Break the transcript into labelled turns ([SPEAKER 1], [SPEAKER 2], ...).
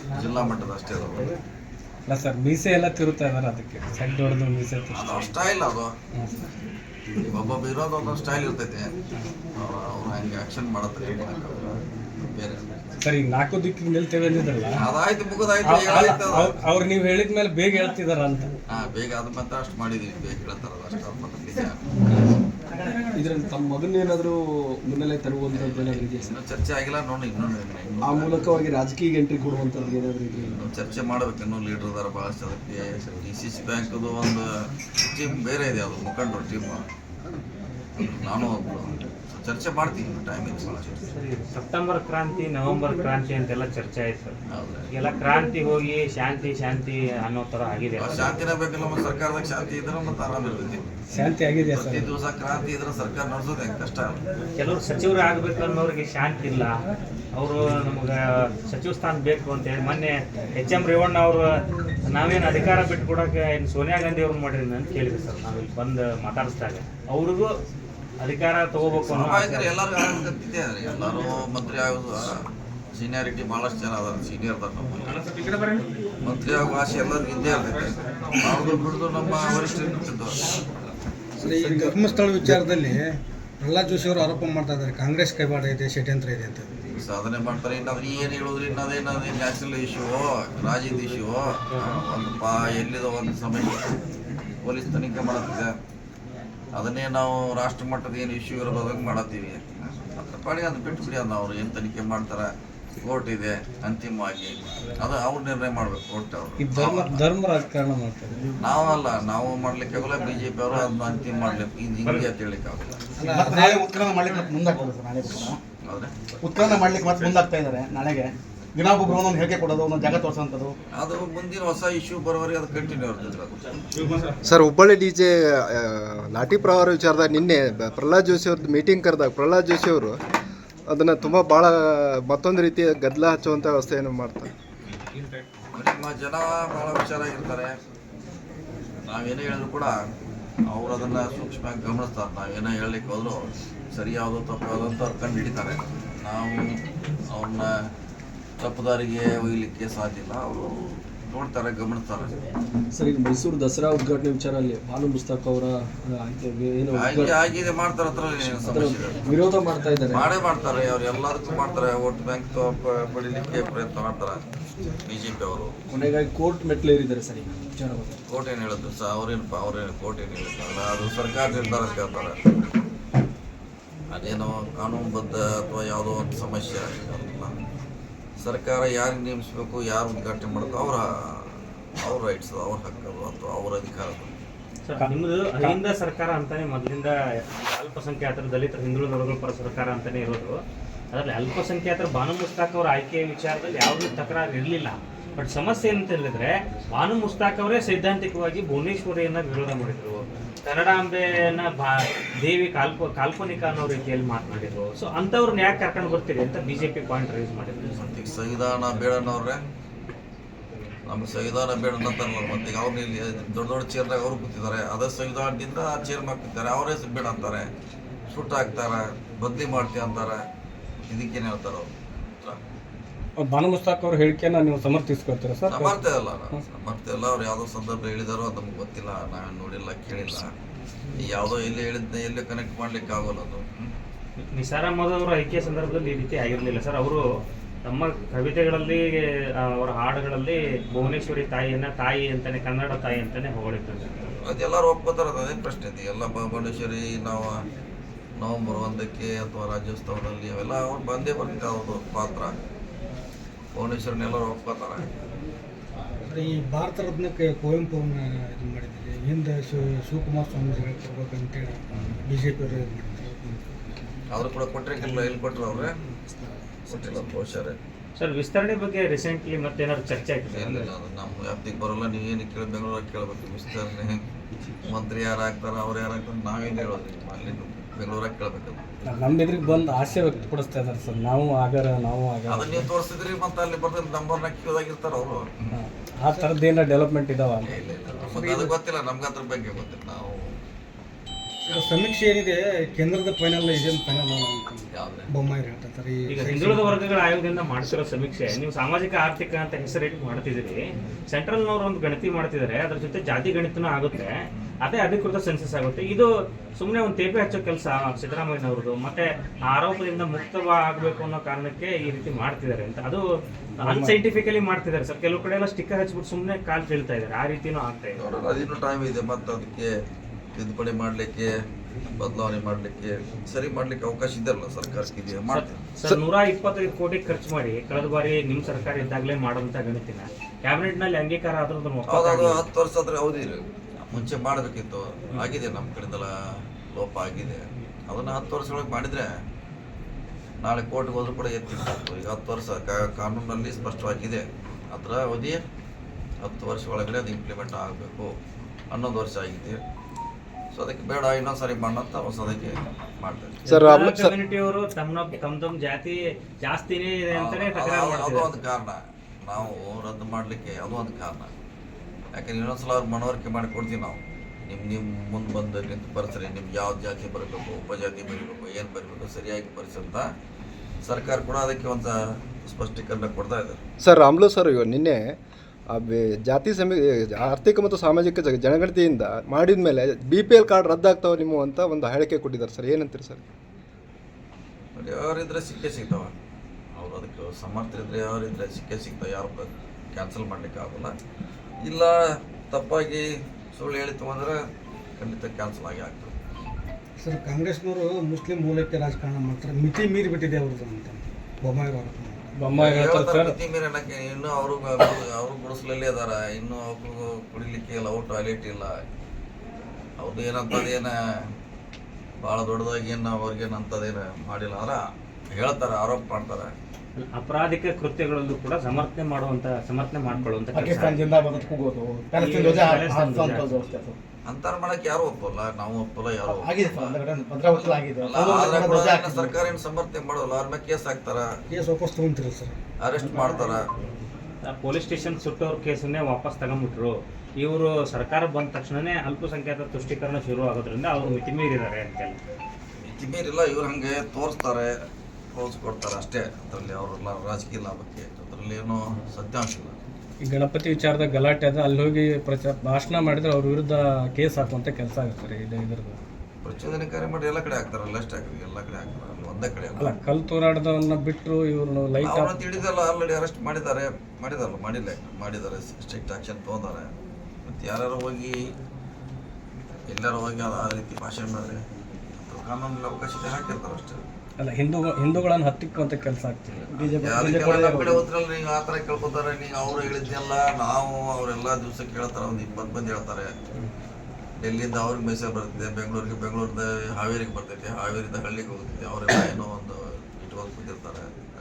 [SPEAKER 1] ಜಿಲ್ಲಾ ಮಟ್ಟದ ಅಷ್ಟೇ ಅದು.
[SPEAKER 2] ಅಲ್ಲ ಸರ್, ಮೀಸೆ ಎಲ್ಲ ತಿರುತ್ತಾ ಇದಾರೆ, ಅದಕ್ಕೆ ಸೆಡ್ ಹೊಡೆದು ಮೀಸೆ
[SPEAKER 1] ಅದು ಸ್ಟೈಲ್ ಅದು. ಒಬ್ಬೊಬ್ಬ ಇರೋದು ಒಂದೊಂದು ಸ್ಟೈಲ್ ಇರ್ತೈತೆ, ಅವ್ರು ಹಂಗೆ ಆ್ಯಕ್ಷನ್ ಮಾಡತ್ತೆ ಬೇರೆ.
[SPEAKER 2] ಸರ್, ಈಗ 4 ದಿಕ್ಕಿಗೆ ನಿಲ್ತೇವೆ ಅಂದಿದ್ರಲ್ಲ,
[SPEAKER 1] ಅದಾಯ್ತು ಮುಗಿದಾಯ್ತು.
[SPEAKER 2] ಅವ್ರು ನೀವು ಹೇಳಿದ ಮೇಲೆ ಬೇಗ ಹೇಳ್ತಿದಾರ ಅಂತ.
[SPEAKER 1] ಬೇಗ ಅದು ಮಾತ್ರ ಅಷ್ಟು ಮಾಡಿದೀವಿ, ಬೇಗ ಹೇಳ್ತಾರಲ್ಲ ಅಷ್ಟು ಅವ್ರ ಮಾತ್ರ ನಿಜ.
[SPEAKER 3] ಇದರಲ್ಲಿ ತಮ್ಮ ಮಗನೇನಾದರೂ ಮುನ್ನೆಲೆ ತರುವಂಥದ್ದು ಏನಾದರೂ ಇದೆಯಾ?
[SPEAKER 1] ಇನ್ನೂ ಚರ್ಚೆ ಆಗಿಲ್ಲ ನೋಡಿ. ಇನ್ನೂ
[SPEAKER 3] ಆ ಮೂಲಕವಾಗಿ ರಾಜಕೀಯ ಎಂಟ್ರಿ ಕೊಡುವಂಥದ್ದು ಏನಾದರೂ ಇದೆಯಾ?
[SPEAKER 1] ಇನ್ನೂ ಚರ್ಚೆ ಮಾಡಬೇಕು. ಇನ್ನೂ ಲೀಡರ್ ಇದಾರೆ ಭಾಳಷ್ಟು. ಅದಕ್ಕೆ DCC ಬ್ಯಾಂಕ್ದು ಒಂದು ಟೀಮ್ ಬೇರೆ ಇದೆ, ಅದು ಮುಖಂಡರು ಟೀಮ್. ನಾನು ಚರ್ಚೆ ಮಾಡ್ತೀನಿ, ಟೈಮ್ ಇದೆ ಭಾಳಷ್ಟು.
[SPEAKER 4] ಸೆಪ್ಟೆಂಬರ್ ಕ್ರಾಂತಿ, ನವೆಂಬರ್ ಕ್ರಾಂತಿ ಅಂತೆಲ್ಲ ಚರ್ಚೆ ಆಯ್ತು ಸರ್. ಎಲ್ಲ ಕ್ರಾಂತಿ ಹೋಗಿ ಶಾಂತಿ ಅನ್ನೋ ಥರ ಆಗಿದೆ.
[SPEAKER 1] ಶಾಂತಿನೇ ಬೇಕಲ್ಲ, ಮತ್ತೆ ಸರ್ಕಾರದಾಗ ಶಾಂತಿ ಇದ್ರೆ ಮತ್ತೆ ಆರಾಮ ಇರ್ತೈತಿ.
[SPEAKER 2] ಶಾಂತಿ ಆಗಿದೆ ಸರ್.
[SPEAKER 1] ಪ್ರತಿ ದಿವಸ ಕ್ರಾಂತಿ ಇದ್ರೆ ಸರ್ಕಾರ ನಡೆಸೋದು ಹೆಂಗೆ ಕಷ್ಟ.
[SPEAKER 4] ಕೆಲವರು ಸಚಿವರು ಆಗ್ಬೇಕು ಅನ್ನೋರಿಗೆ ಶಾಂತಿ ಇಲ್ಲ. ಅವರು ನಮಗೆ ಸಚಿವ ಸ್ಥಾನ ಬೇಕು ಅಂತೇಳಿ ಮೊನ್ನೆ HM ರೇವಣ್ಣ ಅವರು ನಾವೇನು ಅಧಿಕಾರ ಬಿಟ್ಟು ಕೊಡೋಕೆ ಸೋನಿಯಾ ಗಾಂಧಿ ಅವ್ರನ್ನ ಮಾಡಿರಿ ಅಂತ ಕೇಳಿದ್ವಿ ಸರ್. ನಾವು ಇಲ್ಲಿ ಬಂದು ಮಾತಾಡಿಸಿದಾಗ ಅವ್ರಿಗೂ ಅಧಿಕಾರ ತಗೋಬೇಕು ಅನ್ನೋ
[SPEAKER 1] ಎಲ್ಲರೂ ಆಗಂತಿದೆ. ಎಲ್ಲರೂ ಮಂತ್ರಿ ಆಗೋದು ಸೀನಿಯಾರಿಟಿ ಭಾಳಷ್ಟು ಜನ ಅದಾರ, ಸೀನಿಯರ್ ಅದಾರ. ನಮ್ಮಲ್ಲಿ ಮಂತ್ರಿ ಆಗೋ ಆಸೆ ಎಲ್ಲರಿಗೂ ಇದ್ದೇ ಇರ್ತೈತೆ. ಅವ್ರದ್ದು ಬಿಡ್ದು ನಮ್ಮ ವರಿಷ್ಠರು ಇರ್ತಿದ್ವು.
[SPEAKER 5] ಈ ಧರ್ಮಸ್ಥಳ ವಿಚಾರದಲ್ಲಿ ಪ್ರಹ್ಲಾದ್ ಜೋಶಿ ಅವರು ಆರೋಪ ಮಾಡ್ತಾ ಇದ್ದಾರೆ, ಕಾಂಗ್ರೆಸ್ ಕೈವಾಡ ಇದೆ, ಷಡ್ಯಂತ್ರ ಇದೆ ಅಂತ.
[SPEAKER 1] ಸಾಧನೆ ಮಾಡ್ತಾರೆ. ಇನ್ನಾದ್ರೆ ಏನು ಹೇಳಿದ್ರಿ, ಇನ್ನದೇನು ನ್ಯಾಷನಲ್ ಇಶ್ಯೂ, ರಾಜ್ಯದ ಇಶ್ಯೂ, ಎಲ್ಲಿದ ಒಂದು ಸಮಯ ಪೊಲೀಸ್ ತನಿಖೆ ಮಾಡತ್ತಿದೆ. ಅದನ್ನೇ ನಾವು ರಾಷ್ಟ್ರ ಮಟ್ಟದ ಏನು ಇಶ್ಯೂ ಇರೋದು ಅದನ್ನು ಮಾಡತ್ತೀವಿ. ಅದ್ರ ಪಾಡಿಗೆ ಅದು ಬಿಟ್ಟು ಬಿಡಿ. ಅದನ್ನ ಅವ್ರು ಏನು ತನಿಖೆ ಮಾಡ್ತಾರೆ, ಕೋರ್ಟ್ ಇದೆ ಅಂತಿಮವಾಗಿ, ಅದು ಅವ್ರು ನಿರ್ಣಯ ಮಾಡ್ಬೇಕು. ಕೋರ್ಟ್ ಅವರು
[SPEAKER 2] ಧರ್ಮ ರಾಜಕಾರಣ ಮಾಡ್ತಾರೆ.
[SPEAKER 1] ನಾವು ಮಾಡ್ಲಿಕ್ಕೆ ಆಗೋಲ್ಲ, BJP ಅವರು ಅದನ್ನ ಅಂತಿಮ ಮಾಡ್ಲಿಕ್ಕೆ ಹಿಂಗೆ ಅಂತ ಹೇಳಿಕ್ಕೆ ಆಗೋಲ್ಲ.
[SPEAKER 6] ಉತ್ಖನನ ಮಾಡ್ಲಿಕ್ಕೆ ಮುಂದಾಗ್ತದೆ ಸರ್. ನಾಳೆ
[SPEAKER 1] ಹೌದ್ರೆ
[SPEAKER 6] ಉತ್ಖನನ ಮಾಡ್ಲಿಕ್ಕೆ ಮತ್ತೆ ಮುಂದಾಗ್ತಾ ಇದ್ದಾರೆ. ನಾಳೆಗೆ ದಿನಾೊಬ್ಬರು ಒಂದೊಂದು ಹೇಳಿಕೆ ಕೊಡೋದು, ಒಂದೊಂದು ಜಾಗ ತೋರಿಸೋಂಥದ್ದು,
[SPEAKER 1] ಅದು ಮುಂದಿನ ಹೊಸ ಇಶ್ಯೂ ಬರೋವರೆಗೆ ಅದು ಕಂಟಿನ್ಯೂ ಇರ್ತದೆ.
[SPEAKER 3] ಸರ್, ಹುಬ್ಬಳ್ಳಿ DJ ಲಾಠಿ ಪ್ರಹಾರ ವಿಚಾರದಾಗ ನಿನ್ನೆ ಪ್ರಹ್ಲಾದ್ ಜೋಶಿ ಅವ್ರದ್ದು ಮೀಟಿಂಗ್ ಕರೆದಾಗ ಪ್ರಹ್ಲಾದ್ ಜೋಶಿ ಅವರು ಅದನ್ನು ತುಂಬ ಭಾಳ ಮತ್ತೊಂದು ರೀತಿಯ ಗದ್ದಲ ಹಚ್ಚುವಂಥ ವ್ಯವಸ್ಥೆಯನ್ನು ಮಾಡ್ತಾರೆ.
[SPEAKER 1] ನಿಮ್ಮ ಜನ ಭಾಳ ಹುಷಾರಾಗಿರ್ತಾರೆ. ನಾವೇನೇ ಹೇಳಿದ್ರು ಕೂಡ ಅವ್ರು ಅದನ್ನು ಸೂಕ್ಷ್ಮವಾಗಿ ಗಮನಿಸ್ತಾರೆ. ನಾವೇನೋ ಹೇಳಲಿಕ್ಕೆ ಹೋದ್ರು ಸರಿ ಯಾವುದು ತಪ್ಪು ಯಾವುದು ಅಂತ ಅವ್ರು ಕಂಡು ಹಿಡಿತಾರೆ. ನಾವು ಅವ್ರನ್ನ ತಪ್ಪು ದಾರಿಗೆ ಒಯ್ಯಲಿಕ್ಕೆ ಸಾಧ್ಯ ಇಲ್ಲ. ಅವರು ನೋಡ್ತಾರೆ, ಗಮನಿಸ್ತಾರೆ.
[SPEAKER 3] ಸರ್, ಈಗ ಮೈಸೂರು ದಸರಾ ಉದ್ಘಾಟನೆ ವಿಚಾರಲ್ಲಿ ಬಾನು ಮುಸ್ತಾಕ್ ಅವರ ಏನು
[SPEAKER 1] ಆಗಿದೆ ಮಾಡ್ತಾರೆ. ಹತ್ರ ಸಮಸ್ಯೆ
[SPEAKER 3] ವಿರೋಧ ಮಾಡ್ತಾ ಇದ್ದಾರೆ.
[SPEAKER 1] ಮಾಡ್ತಾರೆ. ಅವ್ರು ಎಲ್ಲದಕ್ಕೂ ಮಾಡ್ತಾರೆ. ವೋಟ್ ಬ್ಯಾಂಕ್ ಪಡಿಲಿಕ್ಕೆ ಪ್ರಯತ್ನ ಮಾಡ್ತಾರೆ BJP ಅವರು.
[SPEAKER 3] ಕೊನೆಗಾಗಿ ಕೋರ್ಟ್ ಮೆಟ್ಲೇರಿದ್ದಾರೆ ಸರ್. ಈಗ ವಿಚಾರ
[SPEAKER 1] ಕೋರ್ಟ್ ಏನು ಹೇಳಿದ್ರು ಸರ್? ಅವ್ರೇನು ಕೋರ್ಟ್ ಏನು ಹೇಳಿದ್ರು, ಅದು ಸರ್ಕಾರ ನಿರ್ಧಾರ ಕೇಳ್ತಾರೆ. ಅದೇನೋ ಕಾನೂನುಬದ್ಧ ಅಥವಾ ಯಾವುದೋ ಒಂದು ಸಮಸ್ಯೆ ಆಗಿಲ್ಲ. ಸರ್ಕಾರ ಯಾರಿಗೆ ನೇಮಿಸಬೇಕು, ಯಾರು ಉದ್ಘಾಟನೆ ಮಾಡೋದು ಅವ್ರ ರೈಟ್ಸ್, ಅವ್ರ ಹಕ್ಕದು ಅಥವಾ ಅವ್ರ ಅಧಿಕಾರ.
[SPEAKER 4] ಸರ್, ನಿಮ್ಮದು ಅಹಿಂದ ಸರ್ಕಾರ ಅಂತಾನೆ ಮೊದಲಿಂದ ಅಲ್ಪಸಂಖ್ಯಾತರು, ದಲಿತರು, ಹಿಂದುಳಿದ ವರ್ಗಗಳ ಪರ ಸರ್ಕಾರ ಅಂತಾನೆ ಇರೋದು. ಅದರಲ್ಲಿ ಅಲ್ಪಸಂಖ್ಯಾತರು ಬಾನು ಮುಸ್ತಾಕ್ ಅವರ ಆಯ್ಕೆಯ ವಿಚಾರದಲ್ಲಿ ಯಾವುದೇ ತಕರಾರು ಇರಲಿಲ್ಲ. ಬಟ್ ಸಮಸ್ಯೆ ಏನಂತ ಹೇಳಿದ್ರೆ, ಬಾನು ಮುಸ್ತಾಕ್ ಅವರೇ ಸೈದ್ಧಾಂತಿಕವಾಗಿ ಭುವನೇಶ್ವರಿಯನ್ನ ವಿರೋಧ ಮಾಡಿದ್ರು. ಕನ್ನಡಾಂಬೆಯನ್ನ ದೇವಿ ಕಾಲ್ಪನಿಕ ಅನ್ನೋ ರೀತಿಯಲ್ಲಿ ಮಾತನಾಡಿದ್ರು. ಸೊ ಅಂಥವ್ರನ್ನ ಯಾಕೆ ಕರ್ಕೊಂಡು ಬರ್ತೀರಿ ಅಂತ BJP ಪಾಯಿಂಟ್ ರೈಸ್ ಮಾಡಿದ್ರು.
[SPEAKER 1] ಈಗ ಸಂವಿಧಾನ ಬೇಡನವ್ರೆ, ನಮ್ಗೆ ಸಂವಿಧಾನ ಬೇಡ ಅಂತಾರಲ್ಲ. ಮತ್ತೆ ಈಗ ಅವ್ರು ಇಲ್ಲಿ ದೊಡ್ಡ ಚೇರ್ದಾಗ ಅವ್ರು ಕೂತಿದ್ದಾರೆ. ಅದೇ ಸಂವಿಧಾನದಿಂದ ಆ ಚೇರ್ ಮೇಲೆ ಕೂತಿದ್ದಾರೆ. ಅವರೇ ಬೇಡ ಅಂತಾರೆ, ಸುಟ್ಟು ಹಾಕ್ತಾರೆ, ಬದಲಿ ಮಾಡ್ತೀವಿ ಅಂತಾರೆ. ಇದಕ್ಕೇನು ಹೇಳ್ತಾರೆ ಅವರು?
[SPEAKER 2] ಬಾನು ಮುಸ್ತಾಕ್ ಅವ್ರ ಹೇಳಿಕೆನ ನೀವು ಸಮರ್ಥಿಸ್ಕೊಳ್ತೀರಾ ಸರ್?
[SPEAKER 1] ಸಮರ್ಥೆ ಅಲ್ಲ. ಅವ್ರು ಯಾವುದೋ ಸಂದರ್ಭ ಹೇಳಿದಾರೋ ಅದು ನಮ್ಗೆ ಗೊತ್ತಿಲ್ಲ, ನಾವೇನು ನೋಡಿಲ್ಲ, ಕೇಳಿಲ್ಲ. ಯಾವುದೋ ಎಲ್ಲಿ ಹೇಳಿದ್ನೆ ಎಲ್ಲಿ ಕನೆಕ್ಟ್ ಮಾಡ್ಲಿಕ್ಕೆ ಆಗೋಲ್ಲ ಅದು.
[SPEAKER 4] ನಿಸಾರ್ ಅಹಮದ್ ಅವರ ಆಯ್ಕೆ ಸಂದರ್ಭದಲ್ಲಿ ಈ ರೀತಿ ಆಗಿರಲಿಲ್ಲ ಸರ್. ಅವರು ತಮ್ಮ ಕವಿತೆಗಳಲ್ಲಿ, ಅವರ ಹಾಡುಗಳಲ್ಲಿ ಭುವನೇಶ್ವರಿ ತಾಯಿ ಅಂತಾನೆ, ಕನ್ನಡ ತಾಯಿ ಅಂತಾನೆ ಹೊಗಳಿದ್ದಾರೆ.
[SPEAKER 1] ಅದೆಲ್ಲರೂ ಒಪ್ಕೋತಾರೆ. ಅದೇನು ಪ್ರಶ್ನೆ ಇದೆ? ಎಲ್ಲ ಭುವನೇಶ್ವರಿ ನಾವು ನವೆಂಬರ್ 1ಕ್ಕೆ ಅಥವಾ ರಾಜ್ಯೋತ್ಸವದಲ್ಲಿ ಅವೆಲ್ಲ ಅವ್ರು ಬಂದೇ ಬರ್ತಿದ್ದೆ. ಅವ್ರದ್ದು ಪಾತ್ರ ಭುವನೇಶ್ವರಿನೆಲ್ಲರೂ ಒಪ್ಕೋತಾರೆ.
[SPEAKER 5] ಈ ಭಾರತ ರತ್ನಕ್ಕೆ ಕುವೆಂಪು ಅವ್ರನ್ನ ಇದು ಮಾಡಿದ್ದಾರೆ. ಹಿಂದೆ ಶಿವಕುಮಾರ ಸ್ವಾಮೀಜಿಗಳು ಕೊಡ್ಬೇಕಂತೇಳಿ BJP ಅವರು ಇದು ಮಾಡಿದ್ದಾರೆ.
[SPEAKER 1] ಅವರು ಕೂಡ ಕೊಟ್ಟರೆ ಎಲ್ಲಿ ಕೊಟ್ಟರು? ಅವ್ರೆ ಕೊಟ್ಟಿಲ್ಲ ಬಹುಶಃ.
[SPEAKER 4] ಸರ್, ವಿಸ್ತರಣೆ ಬಗ್ಗೆ ರೀಸೆಂಟ್ಲಿ ಮತ್ತೇನಾದ್ರು ಚರ್ಚೆ ಆಗಿದೆ?
[SPEAKER 1] ಏನಿಲ್ಲ, ಅದು ನಮ್ಮ ವ್ಯಾಪ್ತಿಗೆ ಬರೋಲ್ಲ. ನೀವೇನು ಬೆಂಗಳೂರಾಗ ಕೇಳಬೇಕು. ವಿಸ್ತರಣೆ ಮಂತ್ರಿ ಯಾರು ಆಗ್ತಾರೆ, ಅವ್ರು ಯಾರು ಆಗ್ತಾರೆ, ನಾವೇನು ಹೇಳೋದು? ಅಲ್ಲಿ ಬೆಂಗಳೂರಾಗ ಕೇಳಬೇಕು.
[SPEAKER 2] ನಮ್ಮ ಎದುರಿಗೆ ಬಂದು ಆಸೆ ವ್ಯಕ್ತಪಡಿಸ್ತಾ ಇದ್ದಾರೆ ಸರ್. ನಾವು ಆಗಾರ ಅದನ್ನ
[SPEAKER 1] ನೀವು ತೋರಿಸಿದ್ರಿ, ಮತ್ತೆ ಅಲ್ಲಿ ಬರ್ದ ನಂಬರ್ನ ಕ್ಯೂದಾಗಿರ್ತಾರೆ ಅವರು.
[SPEAKER 2] ಆ ಥರದ್ದು ಏನೋ ಡೆವಲಪ್ಮೆಂಟ್ ಇದಾವ?
[SPEAKER 1] ಇಲ್ಲ, ನಮಗೆ ಅದು ಗೊತ್ತಿಲ್ಲ. ನಮ್ಗೆ ಅದ್ರ ಬಗ್ಗೆ ಗೊತ್ತಿಲ್ಲ. ನಾವು
[SPEAKER 5] ಸಮೀಕ್ಷೆ ಏನಿದೆ, ಕೇಂದ್ರದ ಫೈನಲ್ ಇದೆ ಫೈನಲ್ ಬೊಮ್ಮಾಯಿ ಹೇಳ್ತಾರೆ ಸರ್.
[SPEAKER 4] ಈಗ ಹಿಂದುಳಿದ ವರ್ಗಗಳ ಆಯೋಗದಿಂದ ಮಾಡ್ತಿರೋ ಸಮೀಕ್ಷೆ ನೀವು ಸಾಮಾಜಿಕ ಆರ್ಥಿಕ ಅಂತ ಹೆಸರಿಟ್ಟು ಮಾಡ್ತಿದ್ದೀರಿ. ಸೆಂಟ್ರಲ್ನವ್ರು ಒಂದು ಗಣತಿ ಮಾಡ್ತಿದ್ದಾರೆ, ಅದ್ರ ಜೊತೆ ಜಾತಿ ಗಣಿತನೂ ಆಗುತ್ತೆ, ಅದೇ ಅಧಿಕೃತ ಸೆನ್ಸಸ್ ಆಗುತ್ತೆ. ಇದು ಸುಮ್ಮನೆ ಒಂದು ತೇಪೆ ಹಚ್ಚೋ ಕೆಲಸ ಸಿದ್ದರಾಮಯ್ಯನವ್ರದ್ದು. ಮತ್ತೆ ಆರೋಪದಿಂದ ಮುಕ್ತವಾಗಬೇಕು ಅನ್ನೋ ಕಾರಣಕ್ಕೆ ಈ ರೀತಿ ಮಾಡ್ತಿದ್ದಾರೆ ಅಂತ, ಅದು ಅನ್ಸೈಂಟಿಫಿಕಲಿ ಮಾಡ್ತಿದ್ದಾರೆ ಸರ್. ಕೆಲವು ಕಡೆ ಎಲ್ಲ ಸ್ಟಿಕ್ಕರ್ ಹಚ್ಬಿಟ್ಟು ಸುಮ್ಮನೆ ಕಾಲ್ ಕೇಳ್ತಾ ಇದ್ದಾರೆ, ಆ ರೀತಿನೂ ಆಗ್ತಾ ಇದೆ.
[SPEAKER 1] ಅದಿನ್ನೂ ಟೈಮ್ ಇದೆ, ಮತ್ತು ಅದಕ್ಕೆ ತಿದ್ದುಪಡಿ ಮಾಡಲಿಕ್ಕೆ, ಬದಲಾವಣೆ ಮಾಡಲಿಕ್ಕೆ, ಸರಿ ಮಾಡಲಿಕ್ಕೆ ಅವಕಾಶ ಇದೆಯಲ್ಲ ಸರ್ಕಾರಕ್ಕೆ, ಇದೆಯಾ ಮಾಡ್ತೀವಿ
[SPEAKER 4] ಸರ್. 125 ಕೋಟಿ ಖರ್ಚು ಮಾಡಿ ಕಳೆದ ಬಾರಿ ನಿಮ್ಮ ಸರ್ಕಾರ ಇದ್ದಾಗಲೇ ಮಾಡುವಂತ ಗಣಿತಿನ ಕ್ಯಾಬಿನೆಟ್ನಲ್ಲಿ ಅಂಗೀಕಾರ ಆದ್ರೂ
[SPEAKER 1] ಹೌದು. 10 ವರ್ಷ ಆದ್ರೆ ಹೌದಿರಿ, ಮುಂಚೆ ಮಾಡಬೇಕಿತ್ತು, ಆಗಿದೆ ನಮ್ಮ ಕಡೆಯಿಂದೆಲ್ಲ ಲೋಪ ಆಗಿದೆ. ಅದನ್ನು 10 ವರ್ಷದೊಳಗೆ ಮಾಡಿದರೆ ನಾಳೆ ಕೋರ್ಟ್ಗೆ ಹೋದ್ರೂ ಕೂಡ ಎತ್ತಿರ್ತಾರೆ. ಈಗ 10 ವರ್ಷ ಕಾನೂನಲ್ಲಿ ಸ್ಪಷ್ಟವಾಗಿದೆ, ಅದರ ಅವಧಿ 10 ವರ್ಷ ಒಳಗಡೆ ಅದು ಇಂಪ್ಲಿಮೆಂಟ್ ಆಗಬೇಕು. 11 ವರ್ಷ ಆಗಿದೆ. ಸೊ ಅದಕ್ಕೆ ಬೇಡ, ಇನ್ನೊಂದು ಸರಿ ಮಾಡೋಂತ ಹೊಸದಕ್ಕೆ ಮಾಡ್ತಾರೆ
[SPEAKER 3] ಸರ್.
[SPEAKER 4] ಕಮ್ಯುನಿಟಿಯವರು ತಮ್ಮ ಜಾತಿ ಜಾಸ್ತಿನೇ ಇದೆ ಅಂತಾನೆ ತಕರಾರು
[SPEAKER 1] ಅದು
[SPEAKER 4] ಮಾಡ್ತಿದ್ದಾರೆ.
[SPEAKER 1] ಒಂದು ಕಾರಣ, ನಾವು ರದ್ದು ಮಾಡಲಿಕ್ಕೆ ಅದು ಒಂದು ಕಾರಣ. ಯಾಕಂದ್ರೆ ಇನ್ನೊಂದ್ಸಲ ಅವ್ರು ಮನವರಿಕೆ ಮಾಡಿ ಕೊಡ್ತೀವಿ ನಾವು. ನಿಮ್ಮ ಮುಂದೆ ಬಂದು ನಿಂತು ಬರ್ಸ್ರಿ, ನಿಮ್ಗೆ ಯಾವ ಜಾತಿ ಬರಬೇಕು, ಉಪಜಾತಿ ಬರೀಬೇಕು, ಏನು ಬರಬೇಕು, ಸರಿಯಾಗಿ ಪರಿಸಂತ ಸರ್ಕಾರ ಕೂಡ ಅದಕ್ಕೆ ಒಂದು ಸ್ಪಷ್ಟೀಕರಣ ಕೊಡ್ತಾ ಇದ್ದಾರೆ.
[SPEAKER 3] ಸರ್ ರಾಮ್ಲು ಸರ್, ಇವಾಗ ನಿನ್ನೆ ಜಾತಿ ಆರ್ಥಿಕ ಮತ್ತು ಸಾಮಾಜಿಕ ಜನಗಣತಿಯಿಂದ ಮಾಡಿದ ಮೇಲೆ BPL ಕಾರ್ಡ್ ರದ್ದಾಗ್ತಾವೆ ನಿಮ್ಮ ಅಂತ ಒಂದು ಹೇಳಿಕೆ ಕೊಟ್ಟಿದ್ದಾರೆ ಸರ್, ಏನಂತೀರಿ ಸರ್?
[SPEAKER 1] ಯಾರಿದ್ರೆ ಸಿಕ್ಕೇ ಸಿಗ್ತಾವ, ಅವ್ರು ಅದಕ್ಕೆ ಸಮರ್ಥರಿದ್ರೆ ಯಾರಿದ್ರೆ ಸಿಕ್ಕೇ ಸಿಗ್ತಾವೆ, ಯಾರು ಕ್ಯಾನ್ಸಲ್ ಮಾಡಲಿಕ್ಕೆ ಆಗೋಲ್ಲ. ಇಲ್ಲ ತಪ್ಪಾಗಿ ಸುಳ್ಳು ಹೇಳಿ ತೊಗೊಂಡ್ರೆ ಖಂಡಿತ ಕ್ಯಾನ್ಸಲ್ ಆಗಿ ಆಗ್ತದೆ.
[SPEAKER 5] ಸರ್, ಕಾಂಗ್ರೆಸ್ನವರು ಮುಸ್ಲಿಂ ಮೂಲಕ್ಕೆ ರಾಜಕಾರಣ ಮಾಡ್ತಾರೆ, ಮಿತಿ ಮೀರಿ ಬಿಟ್ಟಿದೆ ಅವ್ರದ್ದು ಅಂತ ಬೊಮ್ಮಾಯಿ ಅವರು.
[SPEAKER 2] ಬೊಮ್ಮಾಯಿ ಹೇಳ್ತಾರೆ ಸರ್.
[SPEAKER 1] ಮಿತಿ ಮೀರಿ ಅನ್ನಕ್ಕೆ ಇನ್ನೂ ಅವರು ಗುಡಿಸಲಲ್ಲಿ ಅದಾರ, ಇನ್ನೂ ಅವ್ರಿಗೂ ಕುಡಿಲಿಕ್ಕೆ ಇಲ್ಲ, ಔಟ್ ಟಾಯ್ಲೆಟ್ ಇಲ್ಲ. ಅವ್ರದ್ದು ಏನಂತದೇನು ಭಾಳ ದೊಡ್ಡದಾಗಿ ಏನು ಅವ್ರಿಗೇನು ಅಂಥದ್ದೇನು ಮಾಡಿಲ್ಲ ಅಂದ್ರೆ ಹೇಳ್ತಾರೆ, ಆರೋಪ ಮಾಡ್ತಾರೆ.
[SPEAKER 4] ಅಪರಾಧಿಕ ಕೃತ್ಯಗಳಲ್ಲೂ ಕೂಡ ಸಮರ್ಥನೆ ಮಾಡ್ಕೊಳ್ಳುವಂತ ಕೆಲಸ.
[SPEAKER 6] ಪಾಕಿಸ್ತಾನದಿಂದ ಬಂದು ಕೂಗೋದು, ಪ್ಯಾಲೆಸ್ಟೈನ್ ಧ್ವಜ ಹಾರಿಸೋ ಅಂತ ವ್ಯವಸ್ಥೆ ಅದು.
[SPEAKER 1] ಅಂತಾರ ಮಾಡಕ್ಕೆ ಯಾರು ಒಪ್ಪಲ್ಲ, ನಾವು ಒಪ್ಪಲ್ಲ, ಯಾರು
[SPEAKER 6] ಆಗಿದೆ ಸರ್, ಒಂದು ಕಡೆ ಭದ್ರಾವತಿಯಲ್ಲಿ ಆಗಿದೆ.
[SPEAKER 1] ಆದ್ರೆ ಕೂಡ ಸರ್ಕಾರ ಏನು ಸಮರ್ಥನೆ ಮಾಡೋಲ್ಲ, ಅವ್ರ ಮೇಲೆ ಕೇಸ್ ಹಾಕ್ತಾರ,
[SPEAKER 5] ಕೇಸ್ ವಾಪಸ್ ತೊಗೊಂತೀರ ಸರ್?
[SPEAKER 1] ಅರೆಸ್ಟ್ ಮಾಡ್ತಾರ.
[SPEAKER 4] ಪೊಲೀಸ್ ಸ್ಟೇಷನ್ ಸುಟ್ಟವ್ರ ಕೇಸನ್ನೇ ವಾಪಸ್ ತಗೊಂಡ್ಬಿಟ್ರು. ಇವರು ಸರ್ಕಾರ ಬಂದ ತಕ್ಷಣನೇ ಅಲ್ಪಸಂಖ್ಯಾತ ತುಷ್ಟೀಕರಣ ಶುರು ಆಗೋದ್ರಿಂದ ಅವರು ಮಿತಿ ಮೀರಿದ್ದಾರೆ ಅಂತೆಲ್ಲ.
[SPEAKER 1] ಮಿತಿ ಮೀರಿಲ್ಲ, ಇವ್ರು ಹಂಗೆ ತೋರಿಸ್ತಾರೆ, ತೋರಿಸ್ಕೊಡ್ತಾರೆ ಅಷ್ಟೇ. ಅದರಲ್ಲಿ ಅವರೆಲ್ಲ ರಾಜಕೀಯ ಲಾಭಕ್ಕೆ, ಅದರಲ್ಲಿ ಏನೋ ಸತ್ಯಾಂಶ ಇಲ್ಲ.
[SPEAKER 2] ಈ ಗಣಪತಿ ವಿಚಾರದಾಗ ಗಲಾಟೆ ಅದ, ಅಲ್ಲಿ ಹೋಗಿ ಭಾಷಣ ಮಾಡಿದ್ರೆ ಅವ್ರ ವಿರುದ್ಧ ಕೇಸ್ ಹಾಕುವಂತ ಕೆಲಸ ಆಗುತ್ತೆ ಇದ್ರದ್ದು.
[SPEAKER 1] ಪ್ರಚೋದನೆ ಕಾರ್ಯ ಮಾಡಿ ಎಲ್ಲ ಕಡೆ ಹಾಕ್ತಾರಲ್ಲ, ಅಷ್ಟೇ ಹಾಕಿದ್ವಿ, ಎಲ್ಲ ಕಡೆ ಹಾಕ್ತಾರೆ, ಅಲ್ಲಿ ಒಂದೇ ಕಡೆ
[SPEAKER 2] ಅಲ್ಲ, ಕಲ್ ತೋರಾಟದವನ್ನ ಬಿಟ್ಟರು ಇವ್ರನ್ನ ಲೈಟ್
[SPEAKER 1] ಅವ್ರನ್ನ ತಿಳಿದಲ್ಲ, ಆಲ್ರೆಡಿ ಅರೆಸ್ಟ್ ಮಾಡಿದ್ದಾರೆ, ಮಾಡಿದ್ದಾರೆ, ಸ್ಟ್ರಿಕ್ಟ್ ಆಕ್ಷನ್ ತೊಗೊಂತಾರೆ. ಮತ್ತು ಯಾರು ಹೋಗಿ ಎಲ್ಲರೂ ಹೋಗಿ ಆ ರೀತಿ ಭಾಷಣ ಮಾಡಿದ್ರೆ ಕಾನೂನಲ್ಲಿ ಅವಕಾಶ ಹಾಕಿರ್ತಾರೆ ಅಷ್ಟೇ.
[SPEAKER 2] ಅಲ್ಲ, ಹಿಂದೂಗಳನ್ನು ಹತ್ತಿಕ್ಕುವಂತ ಕೆಲಸ ಆಗ್ತಿದೆ.
[SPEAKER 1] ಅದಕ್ಕೆಲ್ಲ ನಮ್ಮ ಕಡೆ ಹೋದ್ರಲ್ಲ, ನೀವು ಆ ಥರ ಕೇಳ್ಕೊತಾರೆ. ನೀವು ಅವ್ರು ಹೇಳಿದ್ನೆಲ್ಲ ನಾವು ಅವರೆಲ್ಲ ದಿವಸ ಕೇಳ್ತಾರೆ, ಒಂದು 20 ಮಂದಿ ಹೇಳ್ತಾರೆ. ಡೆಲ್ಲಿಯಿಂದ ಅವ್ರಿಗೆ ಮೆಸೇಜ್ ಬರ್ತದೆ, ಬೆಂಗಳೂರಿಂದ ಹಾವೇರಿಗೆ ಬರ್ತೈತೆ, ಹಾವೇರಿಂದ ಹಳ್ಳಿಗೆ ಹೋಗ್ತೈತೆ, ಅವರೆಲ್ಲ ಏನೋ ಒಂದು ಇಟ್ಕೊಂಡು ಕೂತಿರ್ತಾರೆ.